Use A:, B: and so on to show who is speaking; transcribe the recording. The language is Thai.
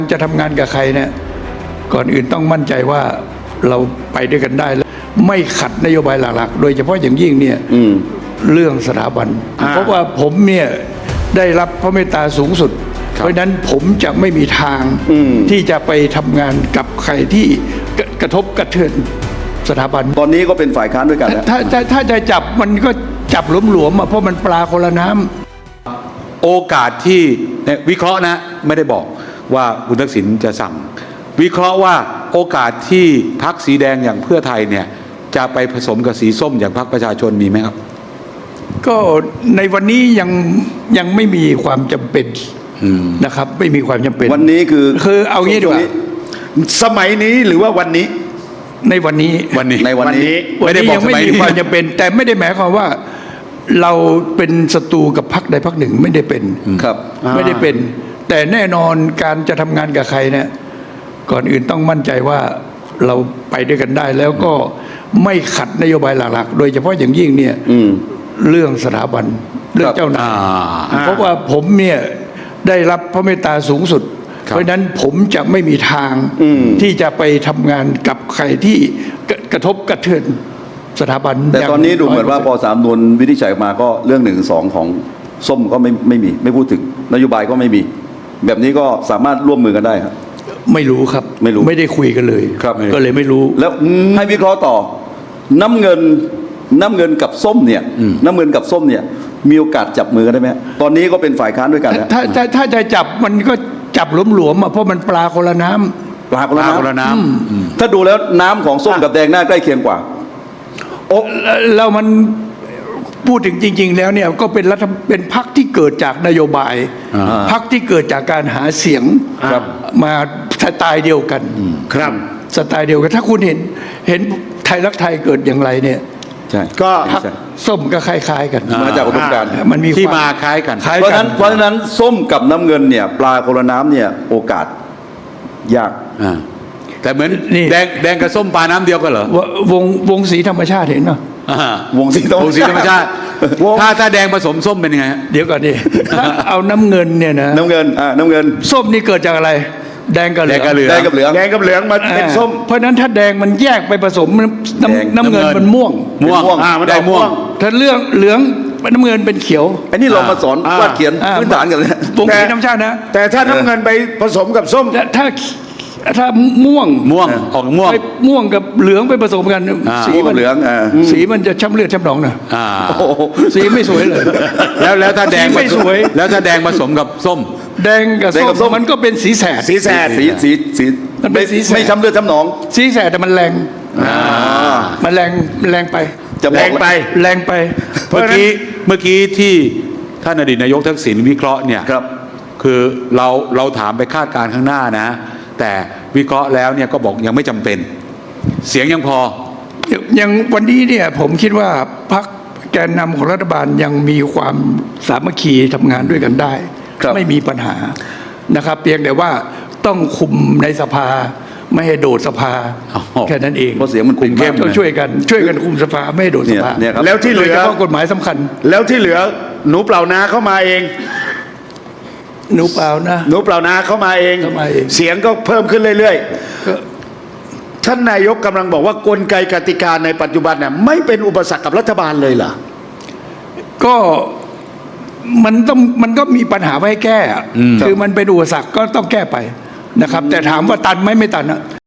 A: จะทำงานกับใครเนี่ยก่อนอื่นต้องมั่นใจว่าเราไปด้วยกันได้แล้วไม่ขัดนโยบายหลักๆโดยเฉพาะอย่างยิ่งเนี่ยเรื่องสถาบันเพราะว่าผมเนี่ยได้รับพระเมตตาสูงสุดเพราะนั้นผมจะไม่มีทางที่จะไปทำงานกับใครที่กระทบกระเทือนสถาบัน
B: ตอนนี้ก็เป็นฝ่ายค้านด้วยกันแล้ว
A: ถ้าจะจับมันก็จับหลวมๆเพราะมันปลาคนละน้ำ
C: โอกาสที่วิเคราะห์นะไม่ได้บอกว่าคุณทักษิณจะสั่งวิเคราะห์ว่าโอกาสที่พรรคสีแดงอย่างเพื่อไทยเนี่ยจะไปผสมกับสีส้มอย่างพรรคประชาชนมีไหมครับ
A: ก็ในวันนี้ยังไม่มีความจำเป็นนะครับไม่มีความจำเป็น
B: วันนี้คือ
A: เอางี้ดีกว่า
D: สมัยนี้หรือว่าวันนี้
A: ในวันนี้
D: ไม่ได้บอก
A: ยังไม่มีความจำเป็นแต่ไม่ได้หมายความว่าเราเป็นศัตรูกับพรรคใดพรรคหนึ่งไม่ได้เป็น
B: ครับ
A: ไม่ได้เป็นแต่แน่นอนการจะทำงานกับใครเนี่ยก่อนอื่นต้องมั่นใจว่าเราไปด้วยกันได้แล้วก็ไม่ขัดนโยบายหลักๆโดยเฉพาะอย่างยิ่งเนี่ยเรื่องสถาบันเรื่องเจ้านายเพราะว่าผมเนี่ยได้รับพระเมตตาสูงสุดเพราะนั้นผมจะไม่มีทางที่จะไปทำงานกับใครที่กระทบกระเทือนสถาบัน
B: แต่ตอนนี้ดูเหมือนว่าพอ3 นวลวินิจฉัยมาก็เรื่อง1 2ของส้มก็ไม่มีไม่พูดถึงนโยบายก็ไม่มีแบบนี้ก็สามารถร่วมมือกันได้ครับ
A: ไม่รู้ครับไม่ได้คุยกันเลย
B: ครับ
A: ก็เลยไม่รู้
B: แล้วให้วิเคราะห์ต่อน้ำเงินกับส้มเนี่ยน้ำเงินกับส้มเนี่ยมีโอกาสจับมือกันได้ไหมตอนนี้ก็เป็นฝ่ายค้านด้วยกัน
A: ถ้าจะจับมันก็จับหลวมๆเพราะมันปลาคนละน้ำ
B: ปลาคนละน้ำถ้าดูแล้วน้ำของส้มกับแดงหน้าใกล้เคียงกว่า
A: แล้วมันพูดถึงจริงๆแล้วเนี่ยก็เป็นพรรคที่เกิดจากนโยบายพรรคที่เกิดจากการหาเสียงมาสไตล์เดียวกัน
D: ครับ
A: สไตล์เดียวกันถ้าคุณเห็นไทยรักไทยเกิดอย่างไรเนี่ย
B: ใช่
A: ก็พรรคส้มก็คล้ายๆกัน
B: มาจากอุดมการณ์
A: มันมี
C: ที่มาคล้ายกัน
B: เพราะฉะนั้นส้มกับน้ำเงินเนี่ยปลาคนละน้ำเนี่ยโอกาสยาก
C: แต่เหมือนแดงกับส้มปลาน้ำเดียวกันเหรอ
A: วงสีธรรมชาติเห็นป่ะ
B: วงสีธรรมชาติ
C: ถ้าแดงผสมส้มเป็นยังไง
A: เดี๋ยวก่อนดิเอาน้ำเงินเนี่ยนะ
B: น้ำเงิน
A: ส้มนี่เกิดจากอะไรแดงกับเหลือง
B: แดงกับเหลือง
D: มาเป็นส้ม
A: เพราะนั้นถ้าแดงมันแยกไปผสมน้ำเงินมันม่วง
B: มันได้ม่วง
A: ถ้าเหลืองน้ำเงินเป็นเขียว
B: อันนี้เรามาสอนวาดเขียนพื้นฐานกันเลยว
A: งสีธรรมชาตินะ
D: แต่ถ้าน้ำเงินไปผสมกับส้ม
A: ถ้าม่วง
C: ออกม่
A: วงกับเหลืองไปผสมกัน
B: สีมันเหลือง
A: สีมันจะช้ำเลือดช้ำหนองนะสีไม่สวยเลย
C: แล้วถ้าแดง
A: ไม่สวย
C: แล้วถ้าแดงผสมกับส้ม
A: แดงกับส้มมันก็เป็นสีแสด
B: สีมันเป็นสีไม่ช้ำเลือดช้ำหนอง
A: สีแสดแต่มันแรงมันแรงไป
B: จะแรงไป
C: เมื่อกี้ที่ท่านอดีตนายกทักษิณวิเคราะห์เนี่ยคือเราถามไปคาดการณ์ข้างหน้านะแต่วิเคราะห์แล้วเนี่ยก็บอกยังไม่จำเป็นเสียงยังพอ
A: ยังวันนี้เนี่ยผมคิดว่าพรรคแกนนำของรัฐบาลยังมีความสามัคคีทำงานด้วยกันได้ไม่มีปัญหานะครับเพียงแต่ว่าต้องคุมในสภาไม่ให้โดดสภาแค่นั้นเอง
B: เพราะเสียงมันคุมเข้ม
A: ต้องช่วยกันคุมสภาไม่ให้โดดสภา
D: แล้วที่เหลือ
A: กฎหมายสำคัญ
D: แล้วที่เหลือหนูเปล่านาเข้ามาเอง
A: หนูเปล่า
D: นาเข้ามาเองเสียงก็เพิ่มขึ้นเรื่อยๆท่านนายกกำลังบอกว่ากลไกกติกาในปัจจุบันเนี่ยไม่เป็นอุปสรรคกับรัฐบาลเลยเหรอ
A: ก็มันก็มีปัญหาไว้ให้แก้คือมันเป็นอุปสรรคก็ต้องแก้ไปนะครับแต่ถามว่าตันไหมไม่ตันนะ